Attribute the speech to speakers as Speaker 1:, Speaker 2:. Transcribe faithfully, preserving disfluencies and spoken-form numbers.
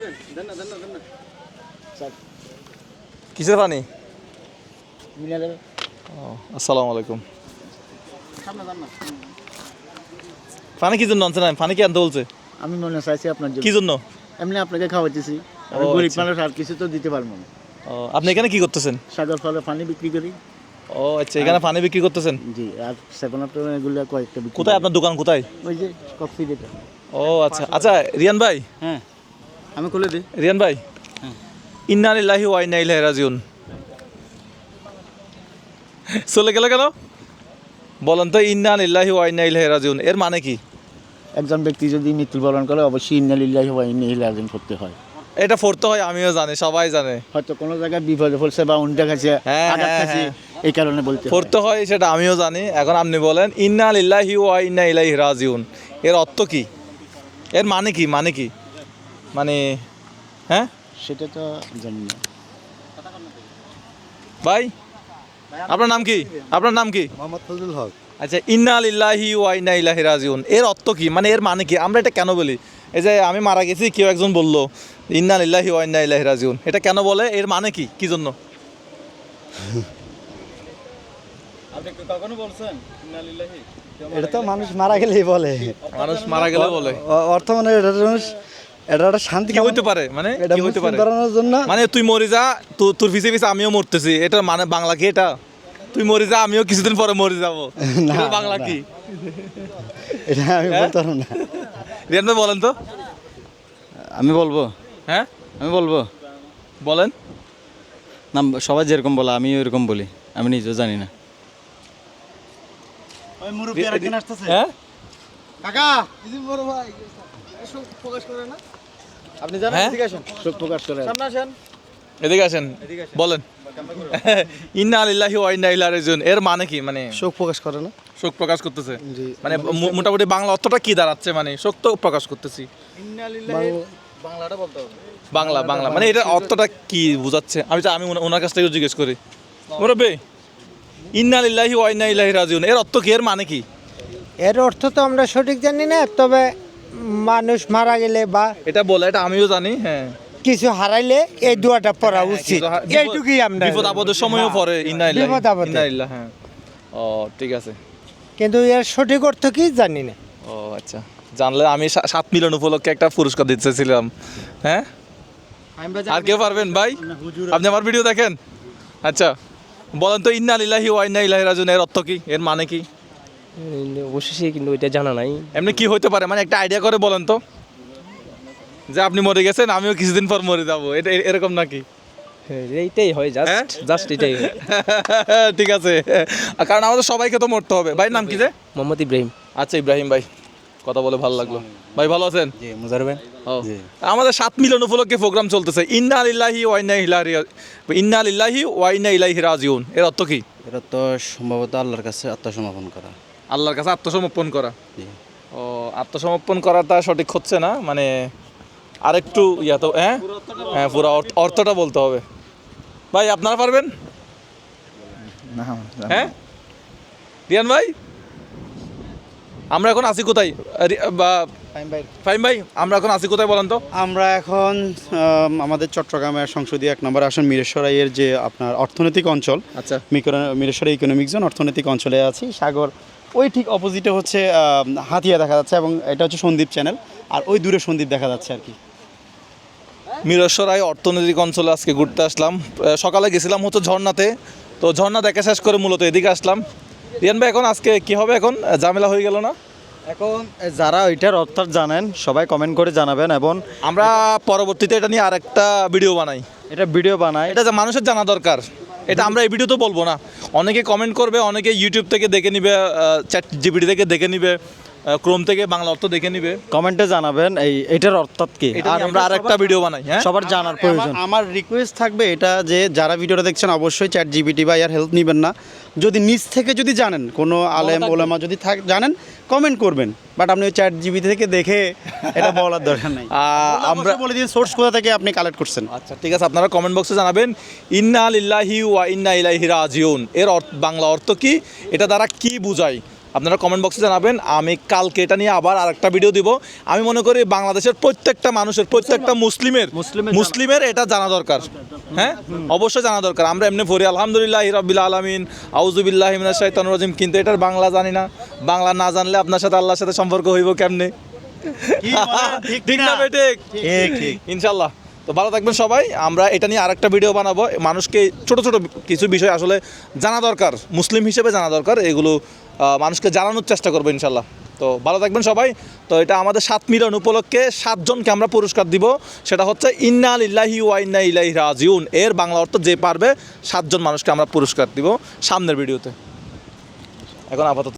Speaker 1: কিসের পানি? আসসালামু আলাইকুম। পানি কি জন্য আনছে না? পানি কি আনতে বলছে?
Speaker 2: আমি মনে চাইছি আপনার জন্য।
Speaker 1: কি জন্য?
Speaker 2: এমনি আপনাকে খাওয়াইতেছি। আমি গরিব মানুষ, আর কিছু তো দিতে পারবো না।
Speaker 1: ও, আপনি এখানে কি করতেছেন?
Speaker 2: সাগর ফলে পানি বিক্রি করি।
Speaker 1: ও আচ্ছা, এখানে পানি বিক্রি করতেছেন?
Speaker 2: জি, আর সেভেন আপ এগুলো কয়েকটা বিক্রি।
Speaker 1: কোথায় আপনার দোকান? কোথায়?
Speaker 2: ওই যে কফি যেটা।
Speaker 1: ও আচ্ছা আচ্ছা, রিয়ান ভাই।
Speaker 2: হ্যাঁ, আমি খুলে দিই।
Speaker 1: রিয়ান ভাই, ইন্না লিল্লাহি ওয়া ইন্না ইলাইহি রাজিউন চলে গেল কেন বলেন তো? ইন্না লিল্লাহি ওয়া ইন্না ইলাইহি রাজিউন এর মানে কি?
Speaker 2: একজন ব্যক্তি যদি মৃত্যুবরণ করে অবশ্যই ইন্না লিল্লাহি ওয়া ইন্না ইলাইহি রাজিউন করতে হয়।
Speaker 1: এটা পড়তে হয়, আমিও জানি, সবাই জানে।
Speaker 2: হয়তো কোনো জায়গায় বিপদে পড়ছে বা উন্ডা খাইছে,
Speaker 1: হ্যাঁ,
Speaker 2: আঘাত
Speaker 1: হ্যাঁ,
Speaker 2: খাইছে,
Speaker 1: হ্যাঁ।
Speaker 2: এই কারণে বলতে হয়।
Speaker 1: পড়তে হয়, সেটা আমিও জানি। এখন আপনি বলেন ইন্না লিল্লাহি ওয়া ইন্না ইলাইহি রাজিউন এর অর্থ কি? এর মানে কি? মানে কি মানে হ্যাঁ,
Speaker 2: সেটা তো জানি না
Speaker 1: ভাই। আপনার নাম কি? আপনার নাম কি?
Speaker 2: মোহাম্মদ ফজলুল হক।
Speaker 1: আচ্ছা, ইন্না লিল্লাহি ওয়া ইন্না ইলাইহি রাজিউন এর অর্থ কি? মানে এর মানে কি? আমরা এটা কেন বলি? এই যে আমি মারা গেছি, কেউ একজন বললো ইন্না লিল্লাহি ওয়া ইন্না ইলাইহি রাজিউন, এটা কেন বলে? এর মানে কি? কি জন্য?
Speaker 2: আপনি কখনো বলছেন ইন্না লিল্লাহি? এটা তো মানুষ মারা গেলেই বলে।
Speaker 1: মানুষ মারা গেলে বলে
Speaker 2: অর্থ মানে এটা মানুষ, এটা একটা শান্তি
Speaker 1: কি হইতে পারে? মানে কি হইতে পারে?
Speaker 2: করানোর জন্য।
Speaker 1: মানে তুই মরে যা, তু- তোর পিছে পিছে আমিও মরতেছি, এটা মানে বাংলা কি এটা? তুই মরে যা, আমিও কিছুদিন পরে মরে যাবো,
Speaker 2: না,
Speaker 1: এটা বাংলা
Speaker 2: না।
Speaker 1: কি?
Speaker 2: এটা আমি
Speaker 1: হ্যাঁ?
Speaker 2: বলতে পারবো না।
Speaker 1: রিয়ান ভাই বলেন তো।
Speaker 2: আমি বলবো,
Speaker 1: হ্যাঁ
Speaker 2: আমি বলবো
Speaker 1: বলেন।
Speaker 2: না, সবাই যেরকম বলে আমিও এরকম বলি, আমি নিজেও জানি না।
Speaker 1: হ্যাঁ,
Speaker 2: কাকা বড় ভাই শোক প্রকাশ করে না, আপনি জানেন?
Speaker 1: হ্যাঁ?
Speaker 2: এদিকে আসেন, শোক প্রকাশ করে সামনে আসেন।
Speaker 1: এদিকে আসেন, বলেন। ইন্না লিল্লাহি ওয়া ইন্না ইলাইহি রাজিউন এর মানে কি? মানে
Speaker 2: শোক প্রকাশ করে না,
Speaker 1: শোক প্রকাশ করতেছে।
Speaker 2: জি।
Speaker 1: মানে মো- মোটামুটি বাংলা অর্থটা কি দাঁড়াচ্ছে? মানে শোক তো প্রকাশ করতেছি।
Speaker 2: বাংলাটা বলতে হবে।
Speaker 1: বাংলা বাংলা মানে এটার অর্থটা কি বোঝাচ্ছে? আমি তো- আমি ওনা- ওনার কাছ থেকে জিজ্ঞেস করি। মুরব্বি, ইন্না লিল্লাহি ওয়া ইন্না ইলাইহি রাজিউন এর অর্থ কি? এর মানে কি?
Speaker 3: এর অর্থ তো আমরা সঠিক জানি না, তবে মানুষ মারা গেলে বা
Speaker 1: এটা বলে, এটা আমিও জানি। হ্যাঁ,
Speaker 3: কিছু হারাইলে এই দোয়াটা পড়া উচিত,
Speaker 1: কিন্তু হা- বিপদ-
Speaker 3: এইটুকুই আমরা
Speaker 1: বিপদ আপদের সময়ও
Speaker 3: হ্যাঁ,
Speaker 1: পড়ে ইন্না লিল্লাহি
Speaker 3: বিপদ আপদে।
Speaker 1: ইন্না লিল্লাহ। হ্যাঁ, ও ঠিক আছে।
Speaker 3: কিন্তু এর সঠিক অর্থ কি জানি না।
Speaker 1: ও আচ্ছা, জানলে আমি সা- সাত মিলিয়ন উপলক্ষে একটা পুরস্কার দিতে চাইছিলাম। হ্যাঁ, আর কেউ পারবেন ভাই? আপনি আমার ভিডিও দেখেন? আচ্ছা, বলেন তো ইন্না লিল্লাহি ওয়া ইন্না ইলাইহি রাজিউন এর অর্থ কি? এর মানে কি?
Speaker 4: অবশ্যই, কিন্তু এটা জানা নাই।
Speaker 1: এমনি কি হইতে পারে? মানে একটা আইডিয়া করে বলেন তো, যে আপনি মরে গেছেন, আমিও কিছুদিন পর মরে যাবো, এটা এ- এরকম নাকি?
Speaker 4: হ্যাঁ, এইটাই হয়,
Speaker 1: হ্যাঁ?
Speaker 4: জাস্ট জাস্ট এটাই হয়।
Speaker 1: ঠিক আছে, কারণ আমাদের সবাইকে তো মরতে হবে। ভাই নাম কি যে?
Speaker 4: মোহাম্মদ ইব্রাহিম।
Speaker 1: আচ্ছা, ইব্রাহিম ভাই, কথা বলে ভালো লাগলো। ভাই ভালো আছেন?
Speaker 2: জি, মুজার ভাই।
Speaker 1: ও, আমাদের সাত মিলিয়ন উপলক্ষে প্রোগ্রাম চলতেছে, ইন্না লিল্লাহি ওয়া ইন্না ইলাইহি ইন্না লিল্লাহি ওয়া ইন্না ইলাইহি রাজিউন এর অর্থ কি?
Speaker 2: এটা তো সম্ভবত আল্লাহর কাছে আত্মসমর্পণ করা।
Speaker 1: আল্লাহর কাছে আত্মসমর্পণ করা।
Speaker 2: জি।
Speaker 1: ও, আত্মসমর্পণ করাটা সঠিক হচ্ছে না, মানে আরেকটু ইয়া তো। হ্যাঁ হ্যাঁ, পুরো অর্থ- অর্থটা বলতে হবে। ভাই আপনারা পারবেন?
Speaker 2: না,
Speaker 1: হ্যাঁ, রিয়ান ভাই, আমরা এখন আছি কোথায়? রি- বা ফাহিম ভাই, আমরা এখন আছি কোথায় বলেন তো?
Speaker 5: আমরা এখন আম, আমাদের চট্টগ্রামের সংসদীয় এক নম্বর আসন মিরেশ্বরাইয়ের যে আপনার অর্থনৈতিক অঞ্চল,
Speaker 1: আচ্ছা,
Speaker 5: মিকর- মিরেশ্বরাই ইকোনমিক জোন অর্থনৈতিক অঞ্চলে আছি। সাগর ওই ঠিক অপোজিটে হচ্ছে আম, হাতিয়া দেখা যাচ্ছে, এবং এটা হচ্ছে সন্দ্বীপ চ্যানেল, আর ওই দূরে সন্দ্বীপ দেখা যাচ্ছে আর কি।
Speaker 1: মিরসরাই অর্থনৈতিক অঞ্চলে আজকে ঘুরতে আসলাম। আহ, সকালে গেছিলাম হচ্ছে ঝর্ণাতে, তো ঝর্ণা দেখা শেষ করে মূলত এদিকে আসলাম। রিয়ান ভাই, এখন আজকে কি হবে? এখন ঝামেলা হয়ে গেল না?
Speaker 2: এখন যারা ওইটার অর্থ জানেন সবাই কমেন্ট করে জানাবেন, এবং
Speaker 1: আমরা পরবর্তীতে এটা নিয়ে আরেকটা ভিডিও বানাই।
Speaker 2: এটা ভিডিও বানায়।
Speaker 1: এটা যে মানুষের জানা দরকার, এটা আমরা এই ভিডিও তো বলবো না। অনেকে কমেন্ট করবে, অনেকে ইউটিউব থেকে দেখে নিবে, চ্যাট জিপিটি থেকে দেখে নিবে, ক্রোম থেকে বাংলা অর্থ দেখে নিবে।
Speaker 2: কমেন্টে জানাবেন এই এটার অর্থাৎ কি,
Speaker 1: এটা
Speaker 2: আর
Speaker 1: নিয়ে আমরা আরেকটা ভিডিও বানাই। হ্যাঁ,
Speaker 2: সবার জানার প্রয়োজন।
Speaker 5: আমার- আমার রিকোয়েস্ট থাকবে এটা, যে যারা ভিডিওটা দেখছেন অবশ্যই চ্যাট জিপিটি বা ইয়ার হেল্প নেবেন না। যদি নিজ থেকে যদি জানেন, কোনো আলেম ওলামা যদি থাক জানেন, কমেন্ট করবেন, বাট আপনি ওই চ্যাট জিপিটি থেকে দেখে এটা বলার দরকার নাই।
Speaker 1: আহ, আমরা
Speaker 5: আমরা বলে দিন সোর্স কোথা থেকে আপনি কালেক্ট করছেন।
Speaker 1: আচ্ছা ঠিক আছে, আপনারা কমেন্ট বক্সে জানাবেন ইন্না লিল্লাহি ওয়া ইন্না ইলাইহি রাজিউন এর অর্থ, বাংলা অর্থ কি, এটা দ্বারা কি বোঝায়। আপনারা কমেন্ট বক্সে জানাবেন। আমি কালকে এটা নিয়ে আবার আরেকটা ভিডিও দিব। আমি মনে করি বাংলাদেশের প্রত্যেকটা মানুষের, প্রত্যেকটা মুসলিমের
Speaker 2: মুসলিমের
Speaker 1: মুসলিমের এটা জানা দরকার। হ্যাঁ, অবশ্যই জানা দরকার। আমরা এমনি পড়ি আলহামদুলিল্লাহ রাব্বিল আলামিন আউযুবিল্লাহি মিনাশ শাইতানির রাজিম, কিন্তু এটার বাংলা জানি না। বাংলা না জানলে আপনার সাথে আল্লাহর সাথে সম্পর্ক হইব কেমনে? ঠিক না বেঠিক?
Speaker 5: ঠিক ঠিক
Speaker 1: ইনশাল্লাহ। তো ভালো থাকবেন সবাই। আমরা এটা নিয়ে আরেকটা ভিডিও বানাবো। মানুষকে ছোট ছোট কিছু বিষয় আসলে জানা দরকার, মুসলিম হিসেবে জানা দরকার, এগুলো আহ, মানুষকে জানানোর চেষ্টা করবো ইনশাল্লাহ। তো ভালো থাকবেন সবাই। তো এটা আমাদের সাত মিলন উপলক্ষে সাতজনকে আমরা পুরস্কার দিব। সেটা হচ্ছে ইন্না লিল্লাহি ওয়া ইন্না ইলাইহি রাজিউন, এর বাংলা অর্থ যে পারবে সাতজন মানুষকে আমরা পুরস্কার দিব সামনের ভিডিওতে। এখন আপাতত